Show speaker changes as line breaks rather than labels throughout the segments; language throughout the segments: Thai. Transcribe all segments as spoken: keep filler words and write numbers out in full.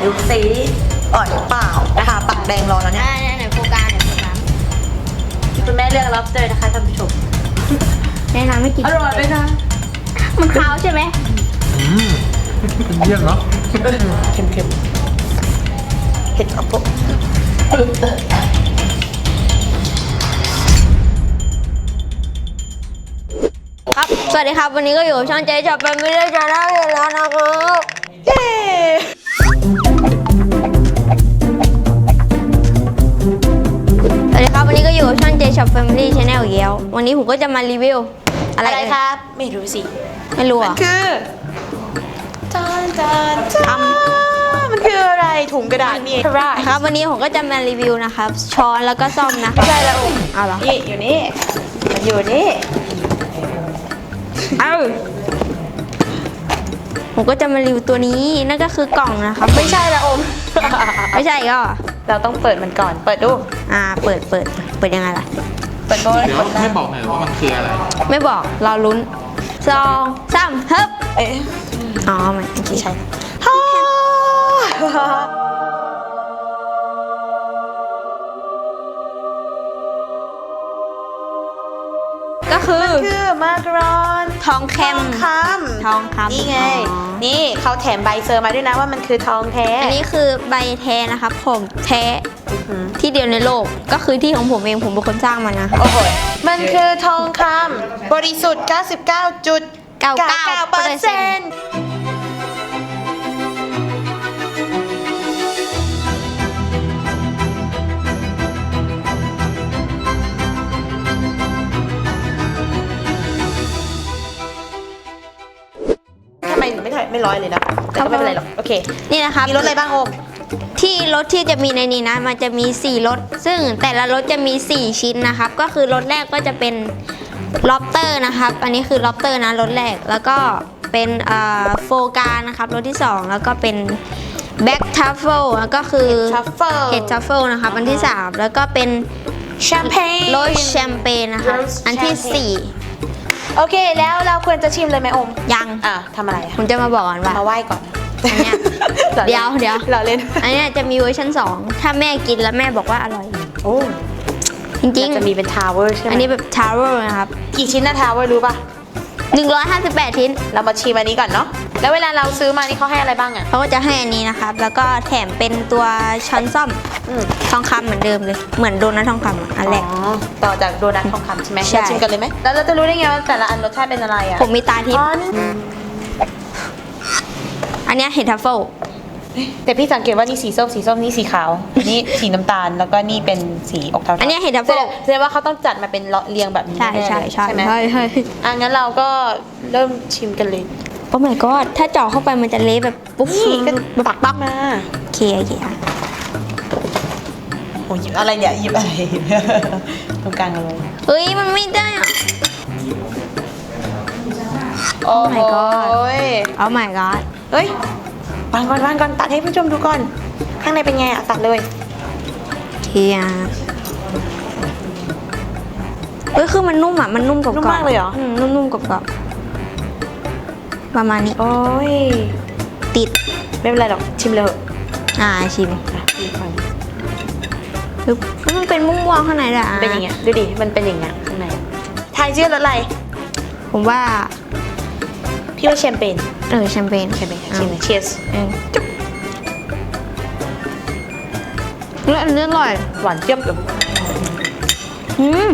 ดูสีอ่อนเปล่านะคะปากแดงรอแล้วเนี่ย
ไหนโฟกัสไหนโฟกัส
คุณแม่เลือกรับเจอนะคะท่านผู้ชม
แนะนำไม่กิน
อร่อยไหมคะ
มันขาวใช่ไหม
อืมเยี่ยมเนาะ
เค็มๆเผ็ดเอาปุ๊บ
ครับสวัสดีครับวันนี้ก็อยู่กับช่องเจ๊จับเป็นไม่ได้จะได้แล้วนะครับเย้สวัสดีครับวันนี้ก็อยู่กับช่องเจ๊ช็อปแฟมิลี่ชาแนลอีกแล้ววันนี้ผมก็จะมารีวิวอะไร
อะไรครับไม่รู้สิ
ไม่รู้อ่ะ
คือจานจานจานมันคืออะไรถุงกระดาษนี่ใช่
ครับวันนี้ผมก็จะมารีวิวนะครับช้อนแล้วก็ซ่อมนะ
ไม่ใช่แล้ว
เอาเหรอ
นี่อยู่นี่มันอยู่นี่
เอาผมก็จะมารีวิวตัวนี้นั่นก็คือกล่องนะครับ
ไม่ใช่ละอม
ไม่ใช่ก็
เราต้องเปิดมันก่อนเปิดดู
อ่าเปิดเปิดเปิดยังไงล่ะ
เปิดโบย
เดี๋ยวไม่บอกหน่อยว่ามันคืออะไร
ไม่บอกเราลุ้นสองสามฮึบ
เอ๊ะ
อ๋อไม่โอเค
ไม่ใช่ฮ่า
ก็คือ
คือมากรอน
ทองแคม
ค
ทองคำ
นี่ไง
อ๋อ
นี่เขาแถมใบเซอร์มาด้วยนะว่ามันคือทองแท้
อันนี้คือใบแท้นะครับผมแท้
อื้อหือ
ที่เดียวในโลกก็คือที่ของผมเองผมเป็นคนสร้างมันนะ
โอ้โหมันคือทองคำบริสุทธิ์ เก้าสิบเก้าจุดเก้าเก้าเปอร์เซ็นต์ ทำไมไม่ถ่ายไม่ร้อยเลยนะแต่ก็ไม่เป็นไรหรอก โอเค
นี่นะครับ
มีรถอะไรบ้างโอม
ที่รถที่จะมีในนี้นะมันจะมีสี่รถซึ่งแต่ละรถจะมีสี่ชิ้นนะครับก็คือรถแรกก็จะเป็นล็อบเตอร์นะครับอันนี้คือล็อบเตอร์นะรถแรกแล้วก็เป็นโฟกานะครับรถที่สองแล้วก็เป็นแบ็กทัฟเฟิลแล้วก็คือ
ทัฟเฟิล
เห็ดทัฟเฟิลนะครับอันที่สามแล้วก็เป็น
แชมเปญ
โรสแชมเปญนะคะอันที่สี่
โอเค แล้วเราควรจะชิมเลยไหมโอม
ยัง
อ่ะทำอะไรอะ
ผมจะมาบอกก่อนว่า
มาไหว้ก่อน
อันเนี้ยเดี๋ยวเดี๋ยว
เราเล่น
อันเนี้ยจะมีเวอร์ชันสองถ้าแม่กินแล้วแม่บอกว่าอร่อย
โอ้
จริง
จะมีเป็นทาวเวอร์ใช่ไหม
ๆอันนี้แบบทาวเวอร์นะครับ
กี่ชิ้นนะทาวเวอร์รู้ป่ะ
หนึ่งร้อยห้าสิบแปดชิ้น
เรามาชิมอันนี้ก่อนเนาะ แล้วเวลาเราซื้อมานี่เขาให้อะไรบ้างอ่ะ
เขาก็จะให้อันนี้นะครับ แล้วก็แถมเป็นตัวช้อนซ่อม
อืม
ทองคำเหมือนเดิมเลย เหมือนโดนัททองคำอะอันแรก
อ๋อต่อจากโดนัททองคำใช่ไหม
ใช่
เราชิมกันเลยไหม แล้วเราจะรู้ได้ไงว่าแต่ละอันรสชาติเป็นอะไรอ่ะ
ผมมีตาทิพ
อ๋อ
ย์
นี่
อันเนี้ยเห็ดทัฟเฟิล
แต่พี่สังเกตว่านี่สีส้มสีส้มนี่สีขาว นี่สีน้ำตาล แล้วก็นี่เป็นสีอกเทาๆ
อันเนี้ยเห็ดทัฟ
แส
เฟิ
ด
ล
งแสดงว่าเขาต้องจัดมาเป็นเรียงแบบนี้
ใช่
แน่ๆ
ใช่
เลย
ใช่
ไหม
ใช่ใช่
อ่ะงั้นเราก็เริ่มชิมกันเลย
โอ้ my god ถ้าเจาะเข้าไปมันจะเละแบบปุ๊บ
นี่ก็
แบบ
ปักปักมา
โอเคโอเคอ่ะ
โอ้ยหยิบอะไรเนี่ยหยิบอะไร ตรงกลางเลย
เฮ้ยมันไม่ได้อ่ะ
โอ้
my god
ย
โอ้ my god
เฮ้ย วางก่อนวางก่อนตัดให้ผู้ชมดูก่อน ข้างในเป็นไงอ่ะ ตัดเลย
เทียเอ้ยคือมันนุ่มอ่ะ มันนุ่มกรอบๆ
นุ่มมากเลยเหรอ
มนุ่มๆกรอบๆประมาณนี้
โอ้ย
ติด
ไม่เป็นไรหรอก ชิมเลยเถอะ
อ่าชิม
อ่ะพี่ฟัง
ปึ๊บแล้วมันเป็นม่วงๆข้างในด้วยอ่ะ
เป็นอย่างเงี้ย ดูดิ มันเป็นอย่างเงี้ยข้างในทายชื่อรสอะไร
ผมว่า
พี่ว่าแชมเปญ
เออแชมเปญ
แชมเปญชิมเลย cheers
เออจุ๊บแล้วอันนี้อร่อย
หวานเจี๊ยบเลย
อืม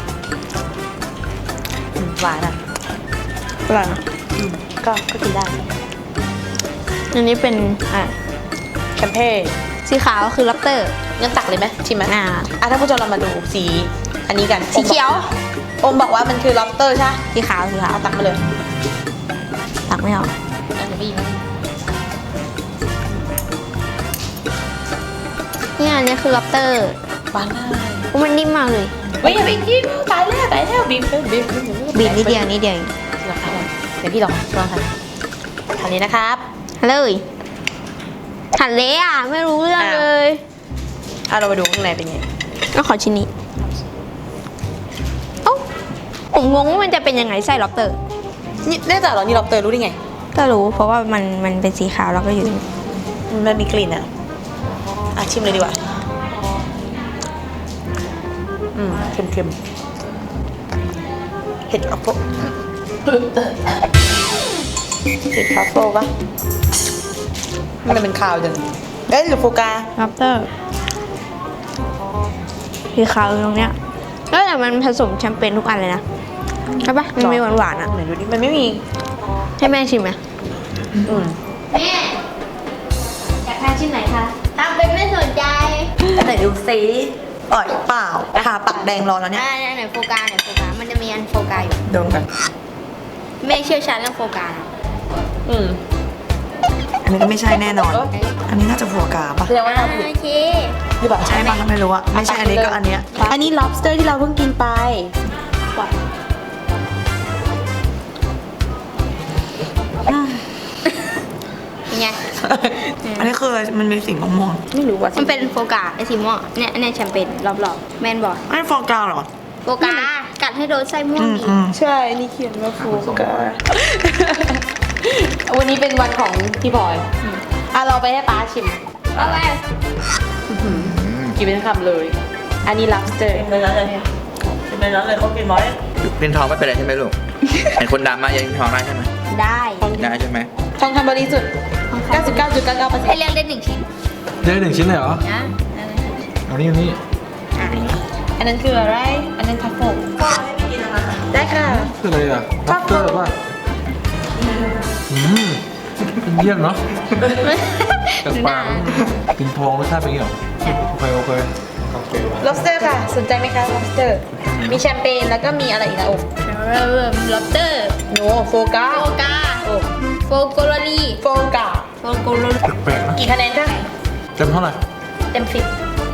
อืมหวานอ่ะ
อร่อยนะ
อืมก็ก็กินได้
อันนี้เป็น
อ่ะแชมเปญ
สีขาวคือลับเตอร์
งั้นตักเลยไหมชิมไหม
อ่า
อ่ะถ้าผู้ชมเรามาดูสี อันนี้กัน
สีเขียว
อมบอกว่ามันคือ lobster ใช่ไหม
สีขาวสีขาว
เอาตักมาเลย
ตักไม่ออก
อันนี้พี่
เนี่ยอันนี้คือลับเตอร์
หวานมาก
มันนิ่มมากเลย
เฮ้ยอย่าไปกินตายแล้วตายแล้วบีบเลยบีบ
บีบนิดเดียวนิดเดียวเอง
ลองทานเดี๋ยวพี่ลองลองทานทานนี้นะครับ
เลยหันเละอ่ะ ไม่รู้เรื่อง
อ้าว
เลย
เอาเรามาดูข้างในเป็นไง
ก็ขอชิ้นนี้เอ้าผมงงว่ามันจะเป็นยังไงไส้ล็อบเตอร์
นี่แน่ใจเหรอนี่ lobster รู้ได้ไง
ก็รู้เพราะว่ามันมันเป็นสีขาวแล้วก็อยู่
มันมีกลิ่นอ่ะอ่ะชิมเลยดีกว่าอืมเค็มๆเห็ดทรัฟเฟิลเห็ดทรัฟเฟิลปะมันเป็นข่าวจังเอ้ยหรือโฟกา
ล็อบสเตอร์ที่ขาวอยู่ตรงเนี้ยแล้วแต่มันผสมแชมเปญทุกอันเลยนะใช่ปะมันมีหวานๆอ่ะ
ไหนดูดิมันไม่มี
ให้แม่ชิมไหม
อืม
แม่อยากทานชิ้นไหนคะทำเป็นไม่สนใจ
ไหนดูซิอร่อยเปล่าทาปากแดงรอแล้วเนี่ย
อ่าไหนโฟกาไหนโฟกามันจะมีอันโฟกาอยู่
ดมกัน
แม่เชี่ยวชาญเรื่องโฟกานะ
อืมอันนี้ก็ไม่ใช่แน่นอน อันนี้น่าจะโฟกาปะ
แสดงว่าโอเค
หรือเปล่าใช่ปะไม่รู้อะไม่ใช่อันนี้ก็อันเนี้ยอันนี้ lobster ที่เราเพิ่งกินไป
เป็นไง
อันนี้คืออะไรมันมีสีม่วงๆไม่รู้ว่า
มันเป็นโฟกาไอซีม่วงเนี่ยอันเนี้ยแชมเปญรอบๆแมนบอก
ไม่โฟกาหรอ
โฟกากัดให้โดนไส้ม่วง
อืม
ดี
อืมใช่ นี่เขียนว่าโฟกา วันนี้เป็นวันของพี่บอยอ่ะเราไปให้ป้าชิม
เอาไป
กินเป็นคำเลย อันนี้ lobster
ในร้านเลยในร้านเลยเขากินไว้
เป็นทองไม่เป็นไรใช่ไหมลูก เห็นคนดำมายังทองได้ใช่ไหม
ได้
ได้ใช่ไหม
ทองคำบริสุทธิ์ เก้าสิบเก้าจุดเก้าเก้าเปอร์เซ็น
ให้
ต์
เลือกได้หนึ่งชิ้น
ได้หนึ่งชิ้นเลยเหรอ
นะ
เอานี่เอานี่
อ่ะ
อันนั้นคืออะไร อันนั้นทัฟเฟิลได้ค่ะ
คืออะไรอ่ะล็อบสเตอร์ป่ะอืมเยี่ยมเนาะกับปลากินทองรสชาติเป็นยังไงโอเคโอเคโอเค
lobster ค่ะ สนใจไหมคะ lobster มีแชมเปญแล้วก็มีอะไรอีกนะโอ้
เริ่มเริ่มล็อบสเตอร์
โนโฟกา
โฟกา
โอ้
โฟโกโลลี
โฟกา
โฟโกโลลี
แปลกๆนะ
กี่คะแนนคะ
เต็มเท่าไหร่
เต็มสิบ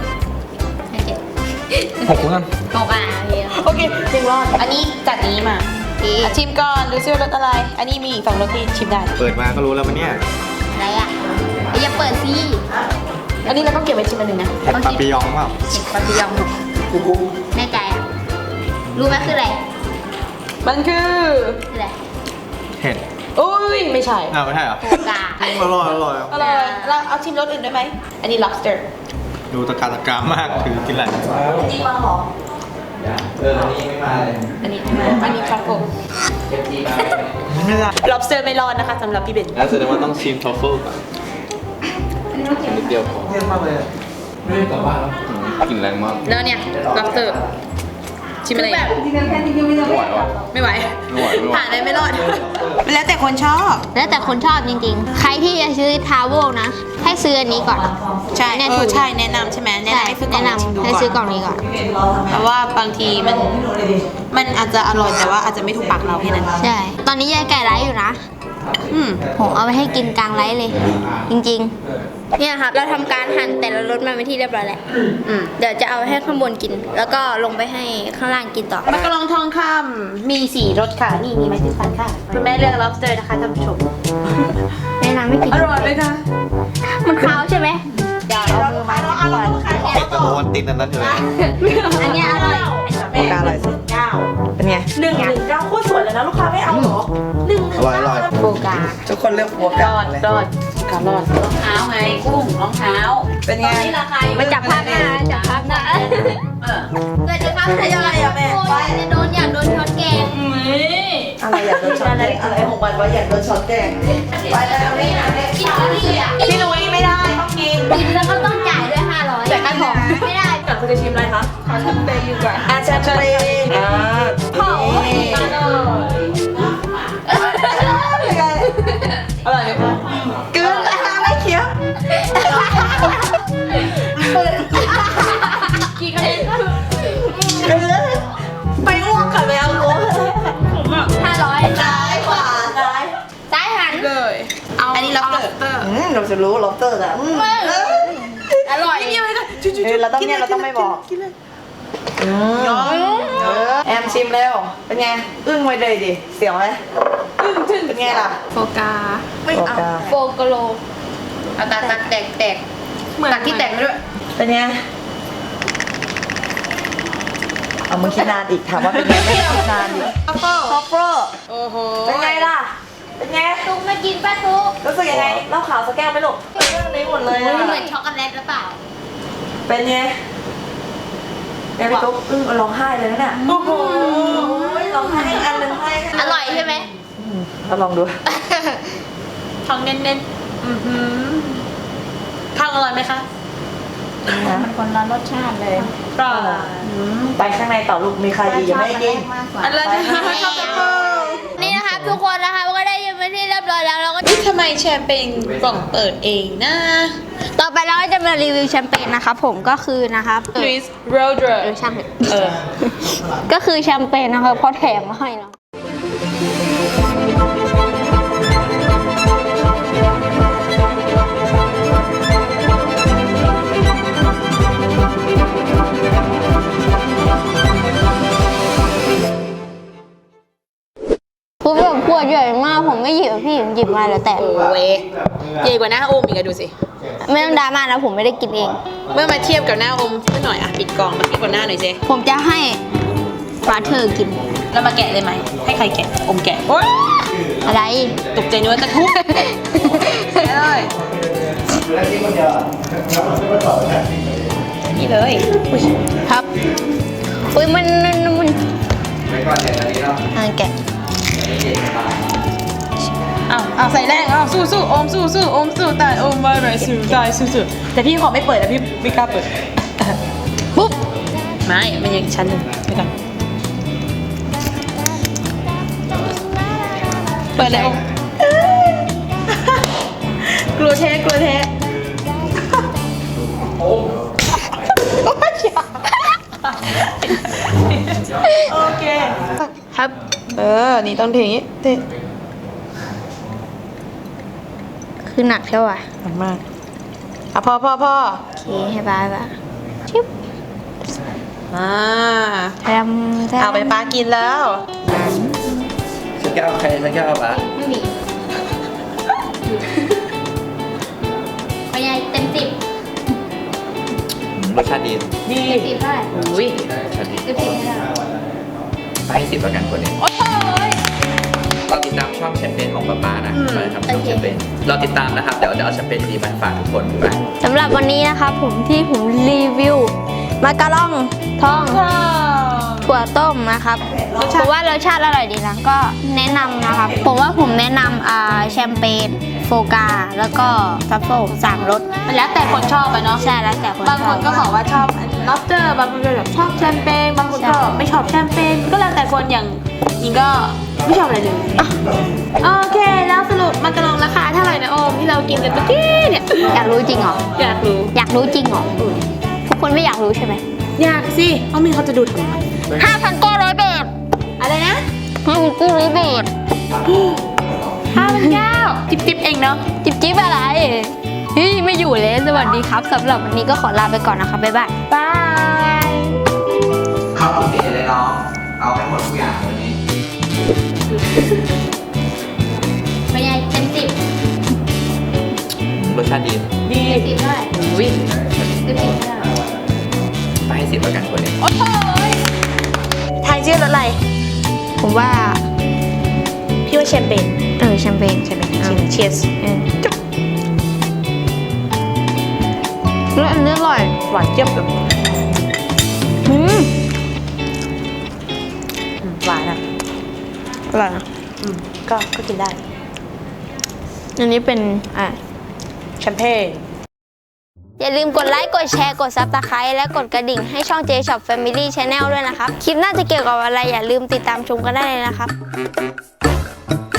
หกแล้วกัน
โฟกาเฮีย
โอเคถึงรอด อันนี้จัดนี้มาอ่ะชิมก่อนดูซิว่ารสอะไร อันนี้มีอีกสองรสที่ชิมได้
เปิดมาก็รู้แล้วมันเนี่ย
อะไรอ่ะอย่าเปิดสิ
อันนี้เราต้องเก็บไว้ชิมอันหนึ่งนะ
เห็ดปาปิยองเปล่า
เห็ดปาปิยองแน่ใจอ่ะ รู้ไหมคืออะไร
มันคือ
คืออะไร
เห็ด
อุ้ยไม่ใช่
อ้าวไม่ใช่เหรอ
โฟกา
อร่อยอร่อย
อร่อยเราเอาชิมรสอื่นได้ไหม อันนี้ lobster
ดูตะการตะการมากถือกินอะไร
จริงมาหรอ
เอออันนี้ไม่มาเลย
อันนี้อันนี้ truffle
ไม่ได้
lobster ไม่รอดนะคะสำหรับพี่เบน
แล้วแสดงว่าต้องชิมทอฟเฟิลก่อนชิมนิดเดียวพอเยี่ยมมากเลยไม่ได้กลับบ้านแล้วกลิ่นแรงมาก
แล้วเนี่ย lobster ชิมอะไร
แบบ
ไม่ไหวว่ะ
ไม่ไหว
ไม่ไหวไม่ไหว
ผ่านเลยไม่รอด แล้วแต่คนชอบ
แล้วแต่คนชอบจริงๆ ใครที่จะซื้อทาวเวลนะ ให้ซื้ออันนี้ก่อน
ใช่
เนี่ย
เอ
ถู
อก ใช่แนะนำใช่ไหมแนะ
ใช่
นำให้ซื้อกล่อง
แนะ
ชิมดู
นำให้
ก่อน
ซื้อกล่องนี้ก่อน
เพราะว่าบางทีมันมันอาจจะอร่อยแต่ว่าอาจจะไม่ถูกปากเราแค่นั้น
ใช่ ตอนนี้ยายไก่ไลฟ์อยู่นะ
อืม
ผมเอาไปให้กินกลางไลฟ์เลย จริงๆ เนี่ยครับ เราทำการหั่นแต่ละรสมาเป็นที่เรียบร้อยแล้ว
อืม
เดี๋ยวจะเอาให้ข้างบนกิน แล้วก็ลงไปให้ข้างล่างกินต่อ
มักกะลองทองคำมีสี่รสค่ะ นี่มีไม้จิ้มฟันค่ะคุณแม่เลือก lobster นะคะท่านผู้ชม
แนะนำให้กิน
อร่อยไหมคะ
มันขาวใช่ไหม
เดี๋ยวเอามือไม้จิ้มฟัน
เห็ดตะโนติดอันนั้นอยู่เลย
อันเนี้ยอร่อย
โฟกาอร่อยสุดเป็นไง
หนึ่งหนึ่งเก้าโคตรสวยเลยนะลูกค้าไม่เอาเหรอหนึ่งหนึ่ง
อร่อยอร่อย
โฟกา
ทุกคนเลือกหัว
ร
กา
อดรอดการรอด
เท้าไงกุ้งรองเท้า
เป็นไง
นี่ราคาอยู่
มาจับภาพหน้าจับภาพหน้า
เออ
เกิดจะทำอะไรอะแม่อยากจะโดนอยากโดนช็อตแกง
อะไรอยากโดนช็อตแดงอะไรของมันวะอยากโดนช็อตแดงไปแล้วนี่นะ
กินทุเรียน
พี่นุ้ยไม่ได้ต้องกิน
กินแล้วก็ต้องจ่ายด้วยห้าร้อยจ่ายค่าของไม่ได้
อยากคุณจะชิมอะไรคะขอชิมเบย์อยู่ก่อนอาจารย์เบย์อ่า
เผา
อร่อยไหมคะกลืนนะคะไม่เคี้ยว
กี่คะแนน
กลืนไปอ้วกกับแมวรู้
ห้าร้อย
ซ้ายขวาซ้าย
ซ้ายหัน
เลยเอาอันนี้ lobster
อืมเราจะรู้ล็อบสเตอร์อะอืม
อร่อย
เออเราต้องเนี่ยเราต้องไม่บอกอืมเออแอมชิมเร็วเป็นไงอึ้งไว้เลยดิเสียวไหมอึ้งถึงเป็นไงล่ะ
โฟกา
ไม่เอา
โฟกโล
เอาตัดตัดแตกแตกตัดที่แตกไปด้วย
เป็นไงเอามึงคิดนานอีกถามว่าเป็นไงไม่คิดนานอีก
ทัฟเฟิล
คอฟเฟอร์
โอ้โห
เป็นไงล่ะเป็นไง
ตุกมากินป้าตุก
รู้สึกยังไงเหล้าขาวสักแก้วไหมลูกเรื่องนี้หมดเลย
เห
อะ
มือนช็อกโกแลตหรือเปล่า
เป็นไงแม่พี่ตุ๊กอึ้งร้องไห้เลยนะเนี่ยโอ้โหร้องไห้ให้อันหนึ่งให้
อร่อยใช่ไหม
เราลองดู
ทองเน้นๆอือหือทองอร่อยไหมคะ
มันคนละรสชาติเลย
ปลา
ไปข้างในต่อลูกมีใครอีกยังไม่ได้กิน
มากกว่า
อะไรนะชอบแอปเปิ้ล
นี่นะครับทุกคนนะคะก็ได้ยินไปที่เรียบร้อยแล้วเราก็
นี่ทำไมแชมเปญกล่องเปิดเองนะ
ต่อไปเราก็จะมารีวิวแชมเปญนะครับผมก็คือนะครับ
ลุยส์โรเดอ
เออ
ร์
ช่างเถอะ
เออ
ก็คือแชมเปญนะครับเพราะแถมมาให้เนาะ คือแบบขวดใหญ่มากผมไม่หยิบอะพี่ผมหยิบมาแล้วแต่
โอ้ยใหญ่กว่าหน้าโอมอีกอะดูสิ
ไม่ต้องดราม่านะผมไม่ได้กินเอง
เมื่อมาเทียบกับหน้าโอมเมื่อหน่อยอะปิดกล่องมาเทียบกับหน้าหน่อยสิ
ผมจะให้ฟาเธอร์กิน
แล้วมาแกะเลยไหม ให้ใครแกะอมแกะโอ๊ย
อะไร
ตกใจนึกว่าจะทุบแกะเลยนี่เลยอุ๊ย
ครับอุ้ยมันมันมันอ่าแกะ
อ้าวอ้าวใส่แรงอ้าวสู้สู้โอมสู้สู้โอมสู้ตายโอมไม่ไม่สู้ตายสู้สู้แต่พี่ขอไม่เปิดนะพี่ไม่กล้าเปิด
ปุ๊บ
ไม่มันยังอีกชั้นหนึ่งไปก่อนเปิดแล้วกลัวแท้กลัวแท้โอเค
ครับ
เออ นี่ต้องเทอย่างนี้เท
คือหนักเท่าไหร่
หนักมากอ่ะพอพอพอ
โอเคให้บ้าบ้าชิบ
อ่า
แทมแทม
เอาไปป้ากินแล้ว
สักแก้วใครสักแก้วปะ
ไม่มีพยายเต็มสิบ
รสชาติดี
ดี
เต็มสิบเท่าไหร่
อุ้ย
รสชาติดี
เต็มสิบเท่าไหร่
ไปให้สิบแล้วกันคนนี้
โอ้ย
เราติดตามช่องแชมเปญของป๊าป๊านะ
อืม
ไปทำช่องแชมเปญเราติดตามนะครับ เดี๋ยวเดี๋ยวเอาแชมเปญดีมาฝากทุกคนไป
สำหรับวันนี้นะครับผมที่ผมรีวิวมาการองทอง ถั่วต้มนะครับเพราะว่ารสชาติอร่อยดีนะก็แนะนำนะครับ ผมว่าผมแนะนำอ่าแชมเปญโฟกา แล้วก็ซัฟโฟสามรส
มันแล้วแต่คนชอบไปเนาะ
ใช่แล้วแต่คน
บางคนก็บอกว่าชอบล็อบสเตอร์บางคนก็แบบชอบแชมเปญบางคนก็ไม่ชอบแชมเปญก็แล้วแต่คนอย่างยิงก็ไม่ชอบอะไรเลยโอเคแล้วสรุปมากระลองราคาเท่าไหร่นะโอมที่เรากินกันเมื่อกี้เนี่ย
อยากรู้จริงเหรอ
อยากรู้
อยากรู้จริงเหรอทุกคนไม่อยากรู้ใช่ไหม
อยากสิเอามีเขาจะดูทำไม
ห้าพันเก้าร้อยบาท
อะไรนะ
ห้าพันเก้าร้อยบาท
ห้าพันเก้าจิบจิบเองเนาะ
จิบจิ๊บอะไรเฮ้ยไม่อยู่เลยสวัสดีครับสำหรับวันนี้ก็ขอลาไปก่อนนะครับบ๊ายบาย
บาย
ข้าวโอเคเลยน้อง เอาให้หมดทุกอย่างวันนี้
ไม่ใช่เต็มสิบ
รสชาติดี
ดี
เต็มสิบเท่าไหร่
อุ้ย
เต็มสิบเท่าไหร่
ไปให้สิบแล้วกันคนนี้
โอ้โหทายชื่อรถอะไร
ผมว่า
พี่ว่าแชมเปญ
เออแชมเปญ
ใช่ไหมเชียร์
เออแล้วอันนี้อร่อย
หวานเจี๊ยบเลย
อืม
หวานอ่ะ
อร่อยนะ
อืมก็ก็กินได้
อันนี้เป็นอ่ะ
แชมเปญ
อย่าลืมกดไลค์ กดแชร์ กดซับสไครต์และกดกระดิ่งให้ช่อง J Shop Family Channel ด้วยนะครับ คลิปหน้าจะเกี่ยวกับอะไรอย่าลืมติดตามชมกันได้เลยนะครับ